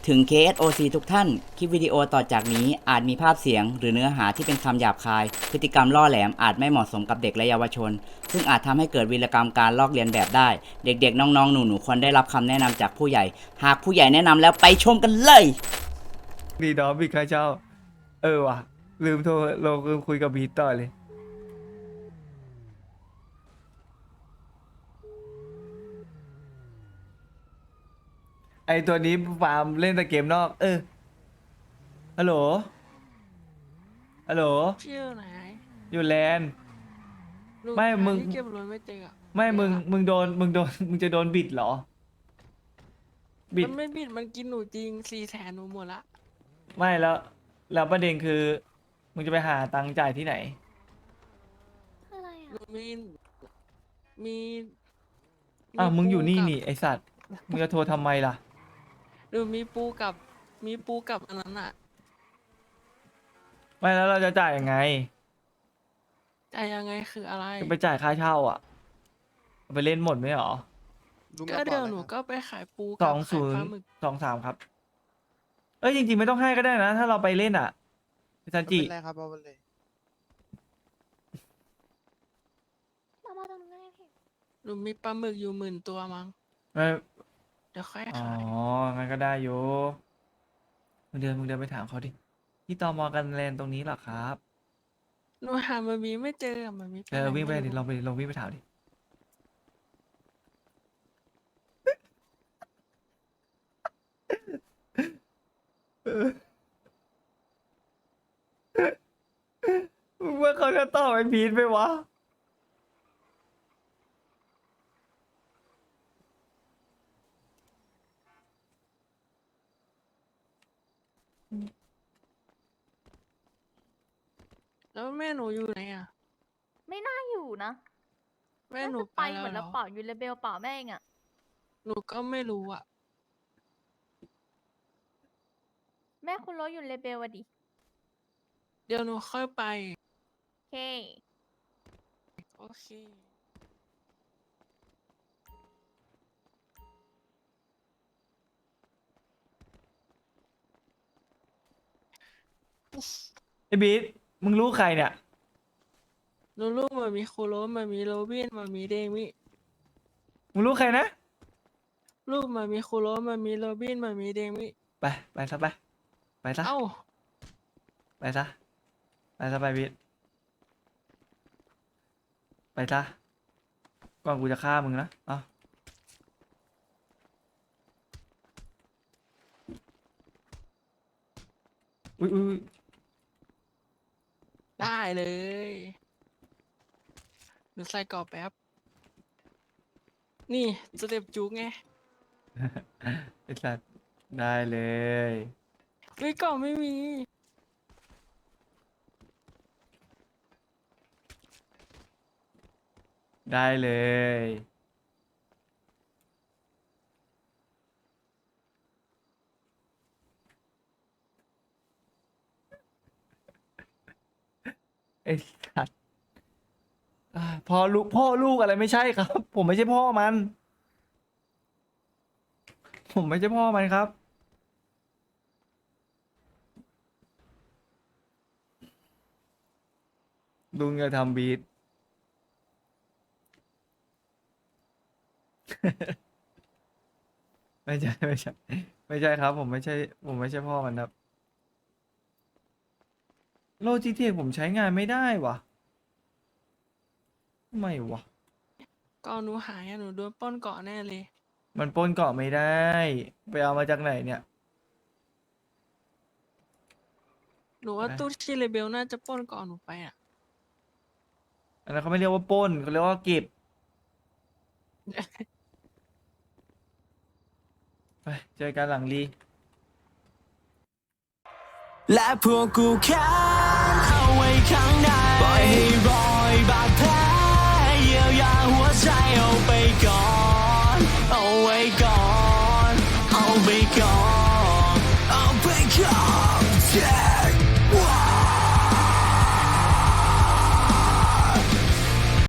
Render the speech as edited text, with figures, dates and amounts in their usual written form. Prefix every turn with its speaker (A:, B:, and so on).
A: ถึง KSOC ทุกท่าน คลิปวิดีโอต่อจากนี้อาจมีภาพเสียงหรือเนื้อหาที่เป็นคำหยาบคาย พฤติกรรมล่อแหลมอาจไม่เหมาะสมกับเด็กและเยาวชน ซึ่งอาจทำให้เกิดวีรกรรมการลอกเลียนแบบได้ เด็กๆ น้องๆ หนูๆ ควรได้รับคำแนะนำจากผู้ใหญ่ หากผู้ใหญ่แนะนำแล้วไปชมกันเลย
B: ดีดอบิดค่าเช่าว่ะลืมโทรเราลืมคุยกับบีทต่อเลยไอตัวนี้ฟาร์มเล่นแต่เกมนอกฮัลโหลฮัลโหล
C: พี่อยู่ไหน
B: อยู่แลนด์
C: ลูก
B: ไม่
C: หา
B: มึง
C: ที่เก็บรถไม่เจออะ
B: ไม่มึง
C: เจออะ
B: มึงโดนมึงจะโดนบิดเหรอบิด
C: มันไม่บิดมันกินหนูจริง400,000หนูหมดละ
B: ไม่แล้วประเด็นคือมึงจะไปหาตังค์จ่ายที่ไหน
D: อะไร
C: หนู
D: อ่ะ
C: มี
B: อ้าวมึงอยู่นี่
C: ปูกับ
B: นี่ไอสัตว์มึงจะโทรทำไมล่ะ
C: หนูมีปูกับอันนั้นอ่ะ
B: ไม่แล้วเราจะจ่ายยังไง
C: แต่ยังไงคืออะไร
B: จะไปจ่ายค่าเช่าอ่ะเอาไปเล่นหมดไหมหรอ
C: ก็เดี๋ยวหนูก็ไปขายปู
B: ส
C: กั
B: อบ ง
C: ขา
B: ศู
C: ย
B: น
C: ปลา
B: ย์
C: หมึก
B: 23ครับจริงๆไม่ต้องให้ก็ได้นะ ถ้าเราไปเล่นอ่ะพี่ซันจิ
E: ไม่เป็นไรครับเอาไปเลย
D: เรามาตรงนี้นพี่
C: หนูมีปลาหมึกอยู่10,000 ตัวมั้ง
B: ไม่
C: เดี๋ยวค่อย
B: อ๋อ
C: ขาย
B: งั้นก็ได้อยู่มึงเดินไปถามเขาดิที่ตมกันแลนด์ตรงนี้เหรอครับ
C: หนูหามามีไม่เจออะมามี
B: วิ่งไป
C: หน
B: ดิ
C: ม่รู้
B: ลองวิ่งไปถามดิมึงว่าเขาจะตอบไอ้พีทไหมวะ
C: แล้วแม่หนูอยู่ไหนอ่ะ
D: ไม่น่าอยู่นะ
C: แม่
D: น่า
C: หนู
D: จะ
C: ไป
D: ไป
C: แล้ว
D: เหมือน
C: เหร
D: แล้ว
C: อ
D: เปล่าอยู่เลเบลเปล่าแม่งอ่ะ
C: หนูก็ไม่รู้อ่ะ
D: แม่คุณรถอยู่เลเบลอะดิ
C: เดี๋ยวหนูค่อยไป
D: โอเค
C: โอเค
B: ไอ้บีทมึงรู้ใครเนี่ย
C: หนูลูกมามีโคโรมามีโรบินมามีเดมิ
B: มึงรู้ใครนะ
C: ลูกมามีโคโรมามีโรบินมามีเดมิ
B: ไปซะไปซะ
C: เอ้า
B: ไปซะไปบีทไปซะก่อนกูจะฆ่ามึงนะเอาอุ้ย
C: ได้เลยหนูใส่กรอบแป๊บ นี่สเต็ปจุกไง
B: ไอ้สัตว์ได้เลย
C: เฮ้ยกรอบไม่มี
B: ได้เลย ไอ้สัตว์พ่อลูกอะไรไม่ใช่ครับ ผมไม่ใช่พ่อมัน ผมไม่ใช่พ่อมันครับลุงจะทำบีท ไม่ใช่ครับ ผมไม่ใช่พ่อมันครับโลจิเทคผมใช้งานไม่ได้วะทำไมวะ
C: ก่อนหนูหายอะหนูโดนปล้นเกาะแน่เลย
B: มันปล้นเกาะไม่ได้ ไปเอามาจากไหนเนี่ย
C: หนูว่า
B: นะ
C: ตู้ที่เลเบลน่าจะปล้นเกาะหนูไปอ่ะ
B: อันนั้นเขาไม่เรียกว่าปล้นเขาเรียกว่าเก็บ ไปเจอกันหลังรี
F: และพวกกูแค้นเอาไว้ข้างในปล่อยให้รอยบาดแผลเยียวยาหัวใจเอาไปก่อน เอาไว้ก่อน เอาไปก่อน เอาไปก่อน